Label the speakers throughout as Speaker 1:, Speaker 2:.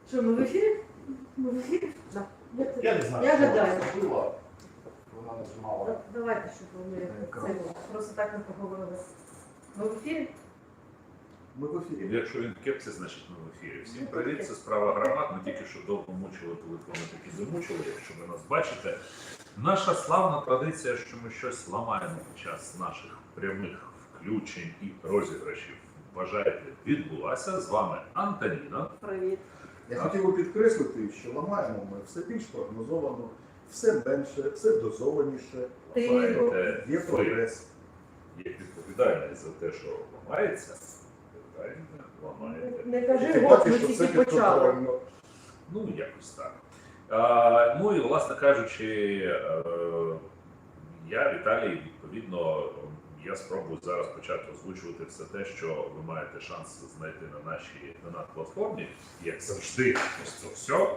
Speaker 1: Що, ми в ефірі? Ми в ефірі? Да.
Speaker 2: Я не знаю,
Speaker 1: Я
Speaker 2: що
Speaker 1: гадаю.
Speaker 2: вона зробила. Вона нажимала.
Speaker 1: Давайте, щоб ми це просто так не поговорили. Ми в ефірі?
Speaker 2: Ми в ефірі.
Speaker 3: Якщо він в кепці, значить ми в ефірі. Всім привіт, це справа громад. Ми тільки що довго мучили телефони, такі замучили, якщо ви нас бачите. Наша славна традиція, що ми щось ламаємо під час наших прямих включень і розіграшів. Вважайте, відбулася. З вами Антоніна.
Speaker 1: Привіт.
Speaker 2: Я хотів би підкреслити, що ламаємо ми все більш прогнозовано, все менше, все дозованіше.
Speaker 3: Маєте
Speaker 2: Є прогрес.
Speaker 3: як відповідальний за те, що ламається, ламаєте.
Speaker 1: Не кажи,
Speaker 2: Ти
Speaker 1: от
Speaker 2: бачиш,
Speaker 1: ми
Speaker 2: що
Speaker 1: тільки
Speaker 2: все
Speaker 1: почали.
Speaker 2: підготовлено.
Speaker 3: Ну, якось так. Ну і, власне кажучи, я, Віталій, відповідно, я спробую зараз почати озвучувати все те, що ви маєте шанс знайти на нашій донат-платформі, як завжди, ось це все.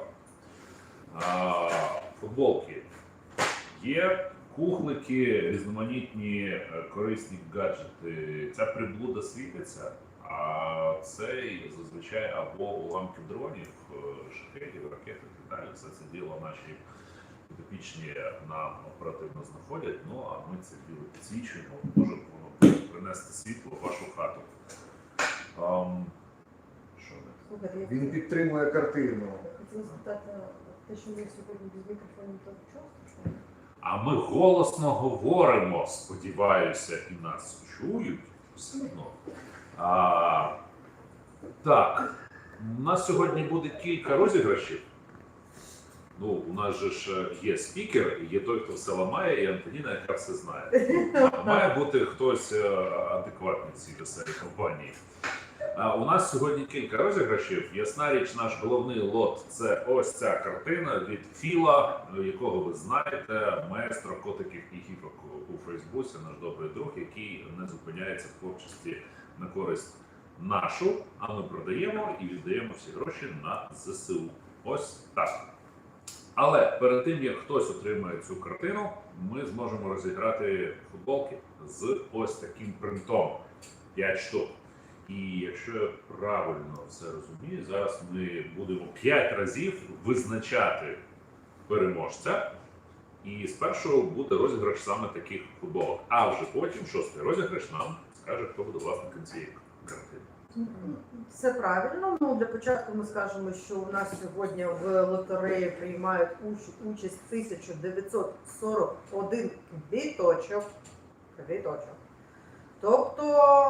Speaker 3: Футболки є, кухлики, різноманітні корисні гаджети. Ця приблуда світиться, а це зазвичай або уламки дронів, шахедів, ракет і так далі. Все це діло наші підопічні нам оперативно знаходять, ну а ми це діло підсвічуємо, може принести світло в вашу хату. Що не?
Speaker 1: Слухайте,
Speaker 2: Він підтримує картину.
Speaker 1: хотіла спитати, те, що ми сьогодні без мікрофонів, то чого страшного?
Speaker 3: А ми голосно говоримо, сподіваюся, і нас чують все одно. Так, у нас сьогодні буде кілька розіграшів. Ну, у нас же ж є спікер, є той, хто все ламає, і Антоніна, яка все знає. Має бути хтось адекватний в цій веселій компанії. У нас сьогодні кілька розіграшів. Ясна річ, наш головний лот – це ось ця картина від Філа, якого ви знаєте, маестро котиків і гіпок у Фейсбуці, наш добрий друг, який не зупиняється в творчості на користь нашу, а ми продаємо і віддаємо всі гроші на ЗСУ. Ось так. Але перед тим, як хтось отримає цю картину, ми зможемо розіграти футболки з ось таким принтом. 5 штук. І якщо я правильно все розумію, зараз ми будемо 5 разів визначати переможця. І спершу буде розіграш саме таких футболок. А вже потім, 6-й розіграш, нам скаже, хто буде власником цієї картини.
Speaker 1: Все правильно. Ну, для початку ми скажемо, що у нас сьогодні в лотереї приймають участь 1941 квіточок. Тобто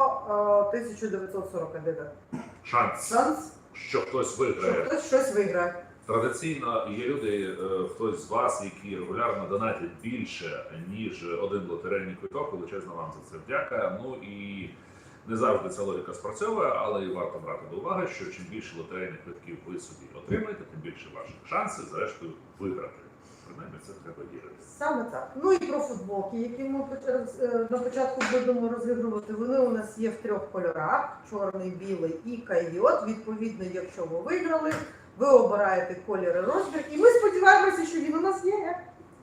Speaker 1: 1941
Speaker 3: Шанс, що хтось
Speaker 1: що
Speaker 3: виграє.
Speaker 1: хтось щось виграє.
Speaker 3: Традиційно є люди, хтось з вас, які регулярно донатять більше, ніж один лотерейний квиток. Величезна вам за це вдяка. Ну і не завжди ця логіка спрацьовує, але і варто брати до уваги, що чим більше лотерейних квитків ви собі отримаєте, тим більше ваших шансів, зрештою, виграти. Принаймні, це треба вірити.
Speaker 1: Саме так. Ну і про футболки, які ми на початку будемо розігрувати. Вони у нас є в 3 кольорах: чорний, білий і койот. Відповідно, якщо ви виграли, ви обираєте колір і розмір. І ми сподіваємося, що він у нас є.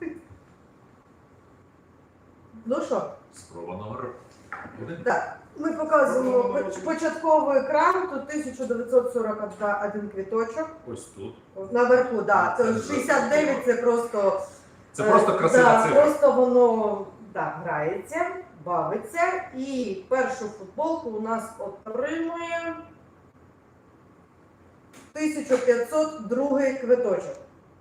Speaker 1: Ну що?
Speaker 3: Спроба номер 1.
Speaker 1: Так. Ми показуємо початковий екран, тут 1941 квіточок.
Speaker 3: Ось тут.
Speaker 1: Наверху, так. Да. 69 це просто...
Speaker 3: Це просто красива
Speaker 1: да,
Speaker 3: цифра.
Speaker 1: просто воно грається, бавиться. І першу футболку у нас отримує 1502 квиточок.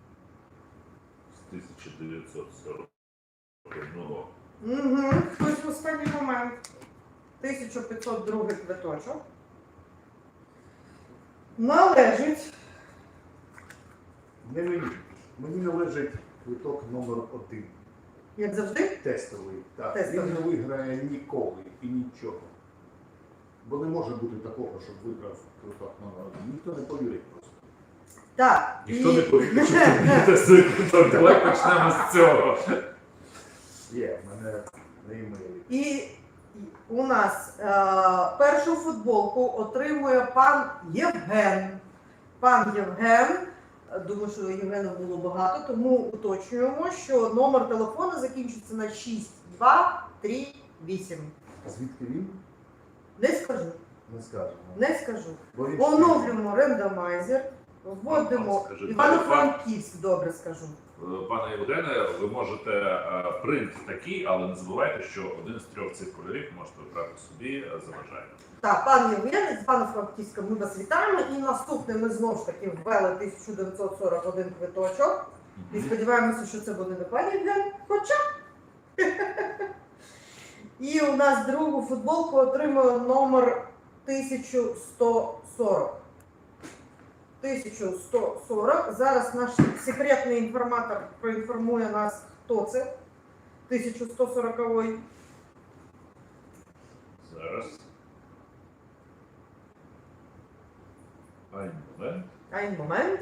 Speaker 3: З 1941.
Speaker 1: Угу. Хтось в останній момент. 1502 квиточок. Належить.
Speaker 2: Не мені. Мені належить квиток номер 1.
Speaker 1: Як завжди?
Speaker 2: Тестовий. Так.
Speaker 1: Тестовий.
Speaker 2: Він не виграє ніколи і нічого. Бо не може бути такого, щоб виграв квиток номер 1. Ніхто не повірить просто.
Speaker 1: Так.
Speaker 3: Ніхто не повірить, що це буде тестовий квиток. Давай почнемо з цього.
Speaker 2: Є, в мене на імейлі.
Speaker 1: І у нас першу футболку отримує пан Євген. Пан Євген, думаю, що Євгена було багато, тому уточнюємо, що номер телефону закінчиться на 6238.
Speaker 2: Звідки він?
Speaker 1: Не скажу.
Speaker 2: Не скажемо.
Speaker 1: Не скажу.
Speaker 2: Бо він
Speaker 1: Оновлюємо рендомайзер. Вводимо
Speaker 3: Скажи,
Speaker 1: Івано-Франківськ, добре скажу.
Speaker 3: Пане Євгене, ви можете принт такий, але не забувайте, що один з 3 цих кольорів можете обрати собі за бажанням.
Speaker 1: Так, пан Євген, з Івано-Франківська ми вас вітаємо. І наступне ми знову ж таки ввели 1941 квиточок. І сподіваємося, що це буде не пан Євген, хоча. І у нас другу футболку отримує номер 1140. 1140. Зараз наш секретний інформатор проінформує нас, хто це. 1140-й.
Speaker 3: Зараз. Момент.
Speaker 1: Ай, момент.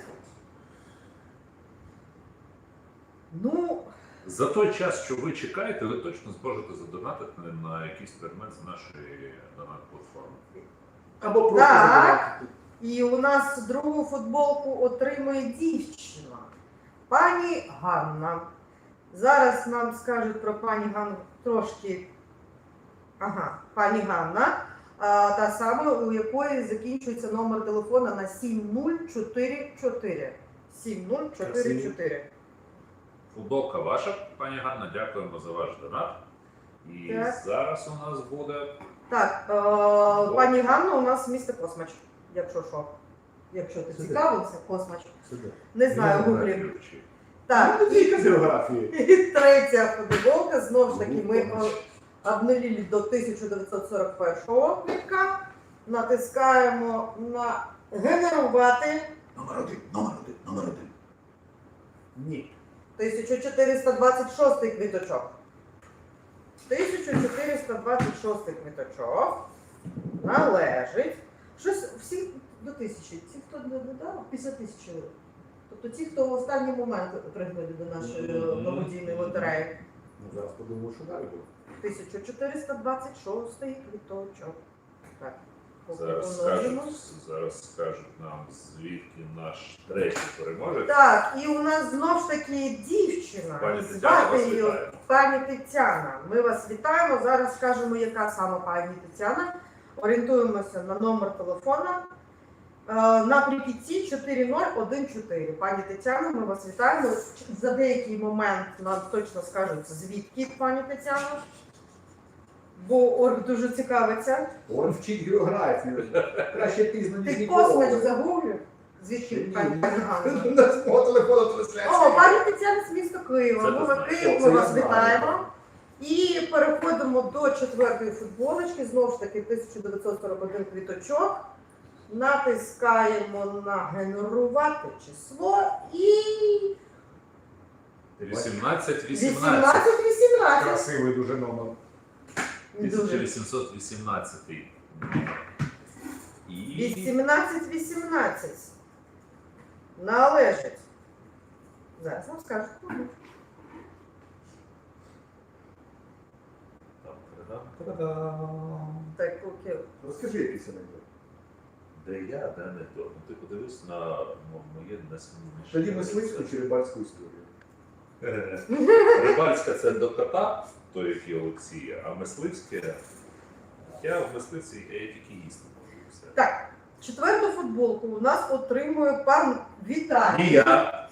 Speaker 1: Ну,
Speaker 3: За той час, що ви чекаєте, ви точно зможете задонатити на якийсь предмет з нашої донат-платформи.
Speaker 2: Або просто
Speaker 1: Так.
Speaker 2: задавати.
Speaker 1: і у нас другу футболку отримує дівчина. Пані Ганна. Зараз нам скажуть про пані Ганну трошки. Ага, пані Ганна. Та сама, у якої закінчується номер телефона на 7044. 7044.
Speaker 3: Футболка ваша, пані Ганна, дякуємо за ваш донат. І
Speaker 1: Так.
Speaker 3: зараз у нас буде
Speaker 1: Так, пані Ганна, у нас місто Космач, якщо що. Якщо ти
Speaker 2: Сюди.
Speaker 1: цікавився, Космач.
Speaker 2: Сюди.
Speaker 1: Не знаю, гуглі.
Speaker 3: ключі.
Speaker 1: Так,
Speaker 2: Ну, тільки з географії.
Speaker 1: і третя футболка, знову ж таки, ми обнулили до 1941 квитка, натискаємо на генерувати
Speaker 2: Номер один. Ні.
Speaker 1: 1426 квіточок. 1426 квіточок належить. Щось всі до 1000. Ті, хто не додав, 50 тисяч. Тобто ті, хто в останній момент приходять до нашої благодійної лотереї.
Speaker 2: Ну, зараз подумаю, що далі буде.
Speaker 1: 1426 квіточок. Так.
Speaker 3: Зараз
Speaker 1: помножимо.
Speaker 3: скажуть нам, звідки наш третій переможець.
Speaker 1: Так, і у нас знов ж таки дівчина.
Speaker 3: Пані Тетяна,
Speaker 1: Звати
Speaker 3: вас
Speaker 1: її
Speaker 3: вітаю.
Speaker 1: пані Тетяна. Ми вас вітаємо. Зараз скажемо, яка саме пані Тетяна. Орієнтуємося на номер телефона. Наприкінці 4014. Пані Тетяна, ми вас вітаємо. За деякий момент нам точно скажуть, звідки пані Тетяна. Бо Орг дуже цікавиться.
Speaker 2: Он вчить географію. Краще пізно, ніж
Speaker 1: Ти
Speaker 2: ніколи.
Speaker 1: Космач загуглив? Звідки
Speaker 2: Ні.
Speaker 1: пані Ганна?
Speaker 2: На свого телефону трансляція.
Speaker 1: О, пані Тетяна з міста Києва.
Speaker 3: Це
Speaker 1: Ми
Speaker 3: ти
Speaker 1: вас
Speaker 3: знаєш.
Speaker 1: Київ,
Speaker 2: Це
Speaker 1: ми
Speaker 2: я
Speaker 1: вас
Speaker 2: знаю.
Speaker 1: вітаємо. І переходимо до четвертої футболочки. Знову ж таки, 1941 квіточок. Натискаємо на генерувати число і
Speaker 3: 18-18.
Speaker 1: 18-18.
Speaker 2: Красивий дуже номер.
Speaker 1: Дуже.
Speaker 3: 1818. І
Speaker 1: 18-18. Належить. Зараз вам скажу. Так, поки.
Speaker 2: Розкажи якийсь анекдот.
Speaker 3: де я, де не то. Ну, ти подивись на моє несумнівніше.
Speaker 2: Тоді мисливську чи рибальську історію.
Speaker 3: Рибальська це до кота, той, який Олексія, а мисливське. Я в мисливці я тільки їсти можу і все.
Speaker 1: Так, четверту футболку у нас отримує пан Віталій.
Speaker 3: І я.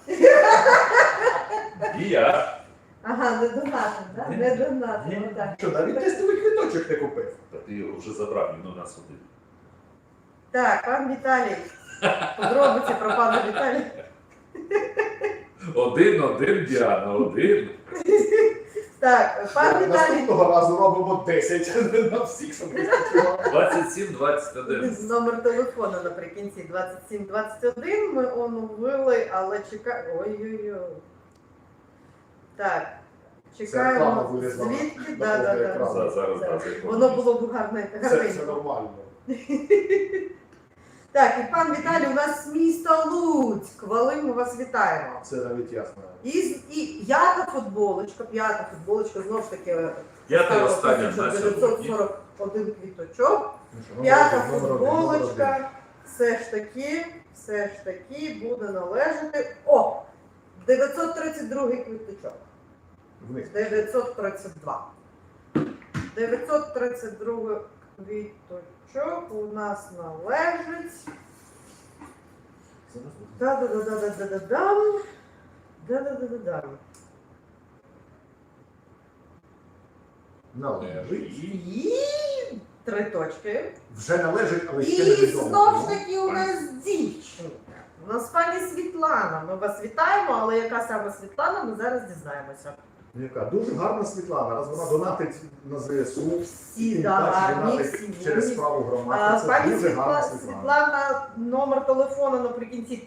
Speaker 3: І я.
Speaker 1: Ага, не донатим, да?
Speaker 3: Ні.
Speaker 1: Не донатим,
Speaker 3: Ні.
Speaker 1: отак.
Speaker 2: Що, навіть тестовий квиточок не купив?
Speaker 3: Та ти його вже забрав, він у нас один.
Speaker 1: Так, пан Віталій. Подробиці про пана Віталія.
Speaker 3: Один, Діана, один.
Speaker 1: Так, пан Віталій.
Speaker 2: Наступного разу робимо 10 на всіх, щоб вистачило.
Speaker 3: 27-21.
Speaker 1: Номер телефону наприкінці 2721 ми оновили, але чекаємо. Ой-ой-ой. Так,
Speaker 2: Це
Speaker 1: чекаємо.
Speaker 2: реклама вилізла
Speaker 1: Звідки?
Speaker 2: на
Speaker 1: Да, да,
Speaker 2: повний
Speaker 1: да.
Speaker 2: екран.
Speaker 3: Зараз,
Speaker 1: Так.
Speaker 3: зараз.
Speaker 1: Воно було б гарне.
Speaker 2: Це
Speaker 1: гарненько.
Speaker 2: нормально.
Speaker 1: Так, і пан Віталій у нас з міста Луцьк. Валим, ми вас вітаємо.
Speaker 2: Це навіть ясно.
Speaker 1: І п'ята футболочка, знову ж таки,
Speaker 3: П'ята і остання на сьогодні.
Speaker 1: 1941 квіточок.
Speaker 2: Ну що,
Speaker 1: П'ята
Speaker 2: номер один, номер один.
Speaker 1: футболочка все ж таки буде належати. О! 932 квіточок.
Speaker 2: Вниз.
Speaker 1: 932. 932 квіточок у нас належить Да-да-да-да-да-да-дам. Да-да-да-да-дам.
Speaker 2: Належить.
Speaker 1: І 3 точки.
Speaker 2: Вже належить, але
Speaker 1: І
Speaker 2: ще невідомо.
Speaker 1: знов ж таки у нас дівчинка. У нас пані Світлана. Ми вас вітаємо, але яка саме Світлана, ми зараз дізнаємося.
Speaker 2: Яка дуже гарна Світлана, раз вона донатить на ЗСУ.
Speaker 1: Всі
Speaker 2: тим
Speaker 1: да,
Speaker 2: паче
Speaker 1: гарні,
Speaker 2: донатить
Speaker 1: всі
Speaker 2: через
Speaker 1: вірні.
Speaker 2: справу громади. Це
Speaker 1: Пані
Speaker 2: дуже гарна
Speaker 1: Світлана, номер телефону наприкінці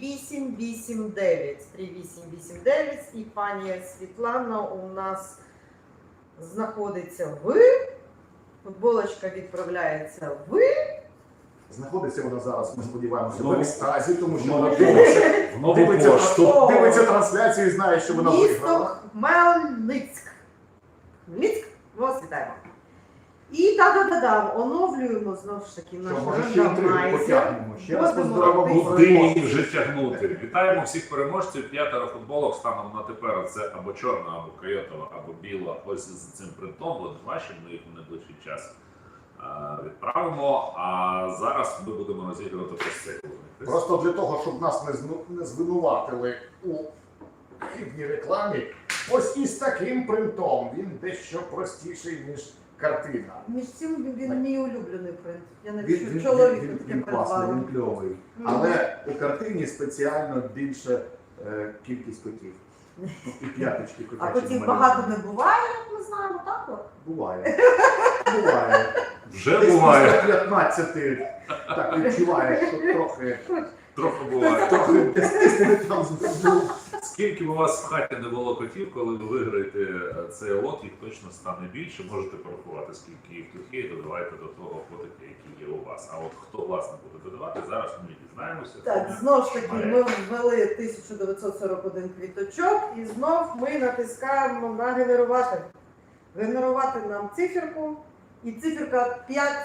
Speaker 1: 3889. 3889. І пані Світлана у нас знаходиться в. Футболочка відправляється в.
Speaker 2: Знаходиться вона зараз, ми сподіваємося,
Speaker 3: Знову-
Speaker 2: в екстазі, тому що
Speaker 3: знову
Speaker 2: вона
Speaker 3: в нову пошту.
Speaker 2: дивиться трансляцію і знає, що вона виграла.
Speaker 1: Місто Хмельницьк. Хмельницьк, ми вас вітаємо. І та-да-да-да, оновлюємо знову ж таки
Speaker 2: Що,
Speaker 1: наш
Speaker 2: може, ще інтригу
Speaker 1: рандомайзер.
Speaker 2: потягнемо. Ще раз
Speaker 1: Будемо
Speaker 2: поздоровимо
Speaker 1: робити.
Speaker 3: Куди її
Speaker 2: переможців.
Speaker 3: вже тягнути? Вітаємо всіх переможців. 5 футболок станом на тепер. Це або чорна, або койотова, або біла. Ось з цим принтом. От бачимо, ми їх в найближчий час відправимо. А зараз ми будемо розігрувати ось цей.
Speaker 2: Просто для того, щоб нас не звинуватили у хибній рекламі, ось із таким принтом він дещо простіший, ніж картина.
Speaker 1: Між цим він мій улюблений принт. Я
Speaker 2: Він,
Speaker 1: навіть
Speaker 2: він,
Speaker 1: чоловіку
Speaker 2: він,
Speaker 1: таке
Speaker 2: він класний,
Speaker 1: придбала.
Speaker 2: він кльовий.
Speaker 1: Мгм.
Speaker 2: Але у картині спеціально більше кількість котів. Ну, і п'яточки котячі.
Speaker 1: А котів
Speaker 2: намальовані.
Speaker 1: багато не буває, як ми знаємо, так от?
Speaker 2: Буває. Буває.
Speaker 3: Вже
Speaker 2: Десь
Speaker 3: буває.
Speaker 2: після 15 так відчуваєш, що
Speaker 3: Трохи буває.
Speaker 2: трохи десь не там збув.
Speaker 3: Скільки б у вас в хаті не було котів, коли ви виграєте цей лот, їх точно стане більше. Можете порахувати, скільки їх тут є, і додавайте до того фотики, які є у вас. А от хто власне буде додавати, зараз ми дізнаємося.
Speaker 1: Так, знов ж таки, ми ввели 1941 квіточок і знов ми натискаємо на генерувати. Генерувати нам циферку. І циферка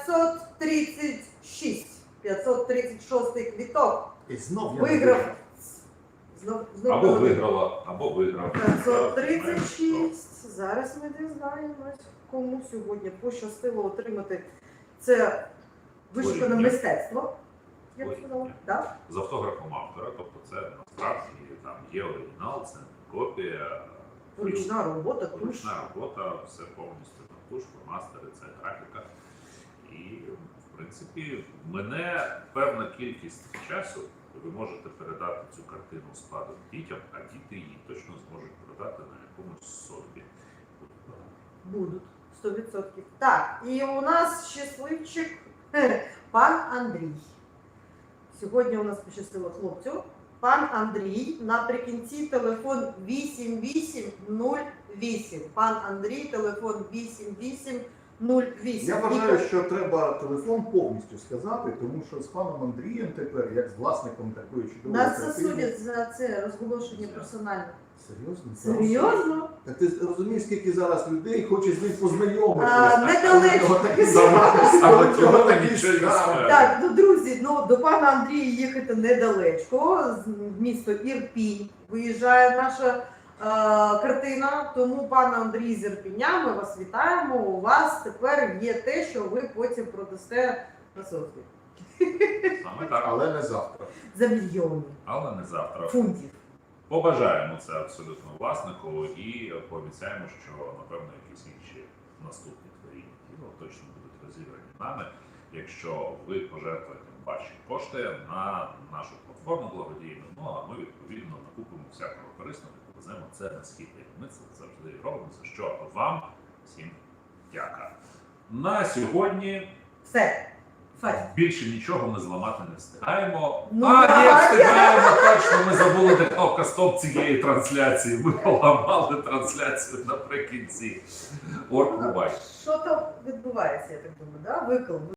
Speaker 1: 536. 536 квіток.
Speaker 2: І знов я
Speaker 1: Виграв. Знов
Speaker 3: Або виграла, або виграв.
Speaker 1: 536. Зараз ми дізнаємось, кому сьогодні пощастило отримати це вишукане
Speaker 3: Творіння.
Speaker 1: мистецтво. Я б сказала, так?
Speaker 3: З автографом автора, тобто це насправді там є оригінал, це не копія,
Speaker 1: Ручна робота, туш.
Speaker 3: ручна робота, все повністю там туш, фломастери, це графіка. І в принципі мене певна кількість часу. Ви можете передати цю картину складом дітям, а діти її точно зможуть продати на якомусь собі.
Speaker 1: Будуть 100%. Так, і у нас щасливчик пан Андрій. Сьогодні у нас пощастило хлопцю. Пан Андрій, наприкінці телефон 8808. Пан Андрій, телефон 8808.
Speaker 2: Я вважаю, що треба телефон повністю сказати, тому що з паном Андрієм тепер, як з власником такої чудової
Speaker 1: Нас
Speaker 2: картини...
Speaker 1: засудять за це розголошення персонально.
Speaker 2: Серйозно?
Speaker 1: Серйозно?
Speaker 2: Так ти розумієш, скільки зараз людей хоче з ним познайомитися?
Speaker 1: Недалечко.
Speaker 3: Саме цього та нічого не скаже.
Speaker 1: Так, ну друзі, ну до пана Андрія їхати недалечко. З місто Ірпінь виїжджає наша картина. Тому пан Андрій з Ірпіня, ми вас вітаємо. У вас тепер є те, що ви потім продасте на соцвіт.
Speaker 3: Саме так,
Speaker 2: Але не завтра.
Speaker 1: За мільйони
Speaker 3: але не завтра.
Speaker 1: фунтів.
Speaker 3: Побажаємо це абсолютно власнику і пообіцяємо, що напевно якісь інші наступні творіння тіло точно будуть розіграні нами, якщо ви пожертвуєте ваші кошти на нашу платформу благодійну. Ну а ми відповідно накупимо всякого корисного і повеземо це на схід. Ми це завжди робимо. За що вам всім дяка. На сьогодні
Speaker 1: Все. Фать.
Speaker 3: більше нічого ми зламати не встигаємо.
Speaker 1: Ну,
Speaker 3: Ні,
Speaker 1: так.
Speaker 3: встигаємо точно. Ми забули, де кнопка стоп цієї трансляції. Ми поламали трансляцію наприкінці. Бувай.
Speaker 1: Що там відбувається, я так думаю, да? Викл.